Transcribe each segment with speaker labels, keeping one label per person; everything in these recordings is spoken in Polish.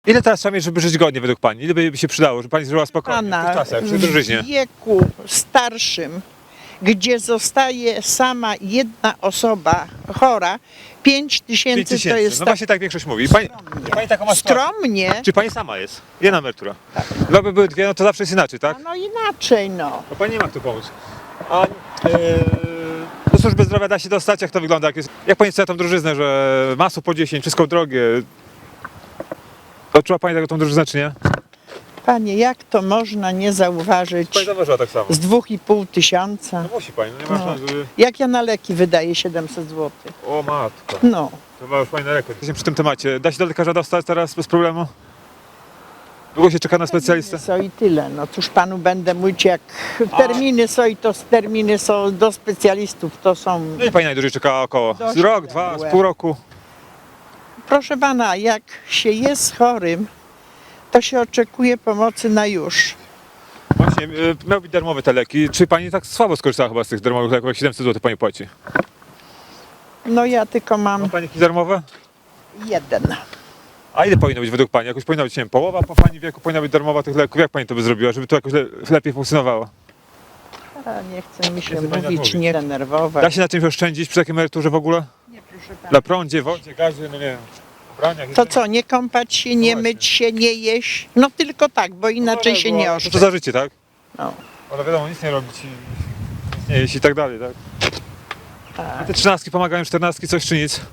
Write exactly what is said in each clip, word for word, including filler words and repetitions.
Speaker 1: Ile teraz trzeba mieć, żeby żyć godnie według Pani? Ile by się przydało, żeby Pani żyła spokojnie w tych
Speaker 2: Pana,
Speaker 1: czasach, przy
Speaker 2: w
Speaker 1: drożyźnie?
Speaker 2: wieku starszym, gdzie zostaje sama jedna osoba chora, pięć
Speaker 1: pięć
Speaker 2: tysięcy to
Speaker 1: tysięcy.
Speaker 2: jest
Speaker 1: No
Speaker 2: tak
Speaker 1: właśnie tak większość mówi. Pani, pani taką ma sytuację?
Speaker 2: skromnie.
Speaker 1: Czy Pani sama jest? Jedna emerytura. Dwa by były dwie, no to zawsze jest inaczej, tak?
Speaker 2: No inaczej no.
Speaker 1: No Pani nie ma kto pomóc. A yy, do służby zdrowia da się dostać? Jak to wygląda? Jak, jest, jak Pani chce tą drożyznę, że masło po dziesięć, wszystko drogie? Odczuła Pani taką tą drożyznę, czy nie?
Speaker 2: Panie, jak to można nie zauważyć
Speaker 1: Pani zauważyła tak samo.
Speaker 2: z dwóch i pół tysiąca?
Speaker 1: No musi Pani, no nie ma
Speaker 2: No.
Speaker 1: szans, żeby...
Speaker 2: Jak ja na leki wydaję siedemset złotych?
Speaker 1: O matko.
Speaker 2: No.
Speaker 1: To ma już Pani na rekord. Jesteśmy przy tym temacie. Da się do lekarza dostać teraz bez problemu? Długo się czeka na specjalistę?
Speaker 2: Co i tyle. No cóż panu będę mówić, jak terminy są i to terminy są do specjalistów, to są...
Speaker 1: No i Pani najdłużej czekała około
Speaker 2: Dość
Speaker 1: rok, dwa,
Speaker 2: odległe.
Speaker 1: z pół roku.
Speaker 2: Proszę pana, jak się jest chorym, to się oczekuje pomocy na już.
Speaker 1: Właśnie, y, miał być darmowe te leki. Czy Pani tak słabo skorzystała chyba z tych darmowych leków, jak siedemset złotych Pani płaci?
Speaker 2: No ja tylko
Speaker 1: Ma
Speaker 2: mam
Speaker 1: Pani jakieś darmowe?
Speaker 2: jeden.
Speaker 1: A ile powinno być według Pani? Jakoś powinna być, nie wiem, połowa po Pani wieku powinna być darmowa tych leków. Jak Pani to by zrobiła, żeby to jakoś le lepiej funkcjonowało?
Speaker 2: A nie chce mi się
Speaker 1: Nie chce pani tak
Speaker 2: mówić,
Speaker 1: mówić.
Speaker 2: nie denerwować.
Speaker 1: Da się na czymś oszczędzić przy takiej emeryturze w ogóle?
Speaker 2: Nie, proszę pana.
Speaker 1: Na prądzie, wodzie, gazie, no nie wiem, ubraniach?
Speaker 2: To co, nie kąpać się, nie
Speaker 1: właśnie.
Speaker 2: myć się, nie jeść? No tylko tak, bo inaczej się nie
Speaker 1: To
Speaker 2: oszczędzi.
Speaker 1: za życie, tak?
Speaker 2: No.
Speaker 1: Ale wiadomo, nic nie robić i nic nie jeść i tak dalej, tak? A
Speaker 2: Tak.
Speaker 1: te trzynastki pomagają, czternastki, coś czy nic?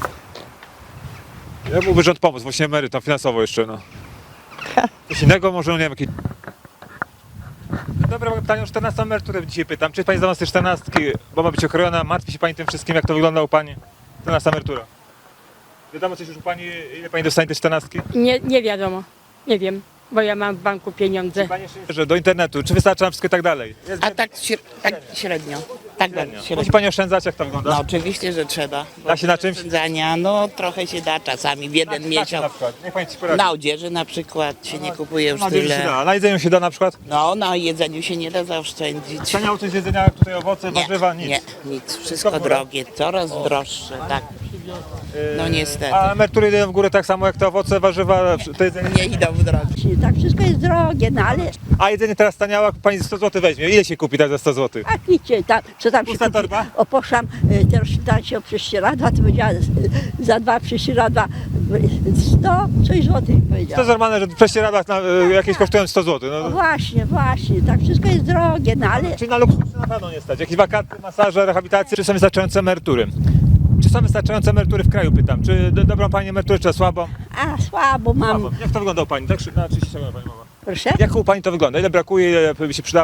Speaker 1: Ja byłby rząd pomóc, właśnie emerytom finansowo jeszcze, no. Coś innego może, no nie wiem, jakiś... Dobra, mam pytanie o czternastą emeryturę dzisiaj pytam. Czy jest Pani zdolna z tej czternastki, bo ma być okrojona? Martwi się Pani tym wszystkim, jak to wygląda u Pani? czternasta emerytura. Wiadomo coś już u Pani, ile Pani dostanie tej czternastki?
Speaker 3: Nie, nie wiadomo, nie wiem, bo ja mam w banku pieniądze.
Speaker 1: Pani jeszcze że do internetu, czy wystarcza nam wszystko i tak dalej? Jest
Speaker 4: A tak, śre- tak średnio. Tak
Speaker 1: średnio.
Speaker 4: średnio.
Speaker 1: Musi Pani oszczędzać, jak to wygląda?
Speaker 4: No oczywiście, że trzeba.
Speaker 1: Da się na czymś?
Speaker 4: Oszczędzania, no trochę się da czasami w jeden
Speaker 1: Na czym na
Speaker 4: miesiąc.
Speaker 1: przykład? Niech Pani ci poradzi.
Speaker 4: Na odzieży na przykład się nie kupuje już
Speaker 1: Na jedzeniu się
Speaker 4: tyle.
Speaker 1: da. Na jedzeniu się da na przykład?
Speaker 4: No na jedzeniu się nie da zaoszczędzić.
Speaker 1: Taniało coś z jedzenia, jak tutaj owoce,
Speaker 4: Nie,
Speaker 1: warzywa, nic.
Speaker 4: nie, nic. Wszystko drogie, coraz droższe, tak. No niestety.
Speaker 1: A emerytury idą w górę tak samo jak te owoce, warzywa, to jedzenie?
Speaker 4: Nie idą w drogę.
Speaker 5: Tak, wszystko jest drogie, no ale
Speaker 1: A jedzenie teraz taniało, jak Pani sto złotych weźmie. Ile się kupi tak za sto złotych?
Speaker 5: a wiecie, tam, co tam się
Speaker 1: Pusta
Speaker 5: kupi?
Speaker 1: torba?
Speaker 5: O, poszłam y, też czytać o prześcieradła, to powiedziała y, za dwa prześcieradła y, sto coś złotych
Speaker 1: To jest
Speaker 5: powiedziała.
Speaker 1: normalne, że w prześcieradłach na, y, jakieś kosztują sto złotych.
Speaker 5: No
Speaker 1: No.
Speaker 5: właśnie, właśnie, tak wszystko jest drogie, no ale
Speaker 1: Czyli na luksus na pewno nie stać. Jakieś wakaty, masaże, rehabilitacje, czy są wystarczające emerytury? Czy są wystarczające emerytury w kraju, pytam. Czy do, dobrą Pani emeryturę, czy słabą?
Speaker 5: a słabo mam,
Speaker 1: Słabą. Jak to wygląda u Pani? Tak, na trzydzieści sekund Pani mowa.
Speaker 5: proszę.
Speaker 1: Jak u Pani to wygląda? Ile brakuje, ile by się przydało?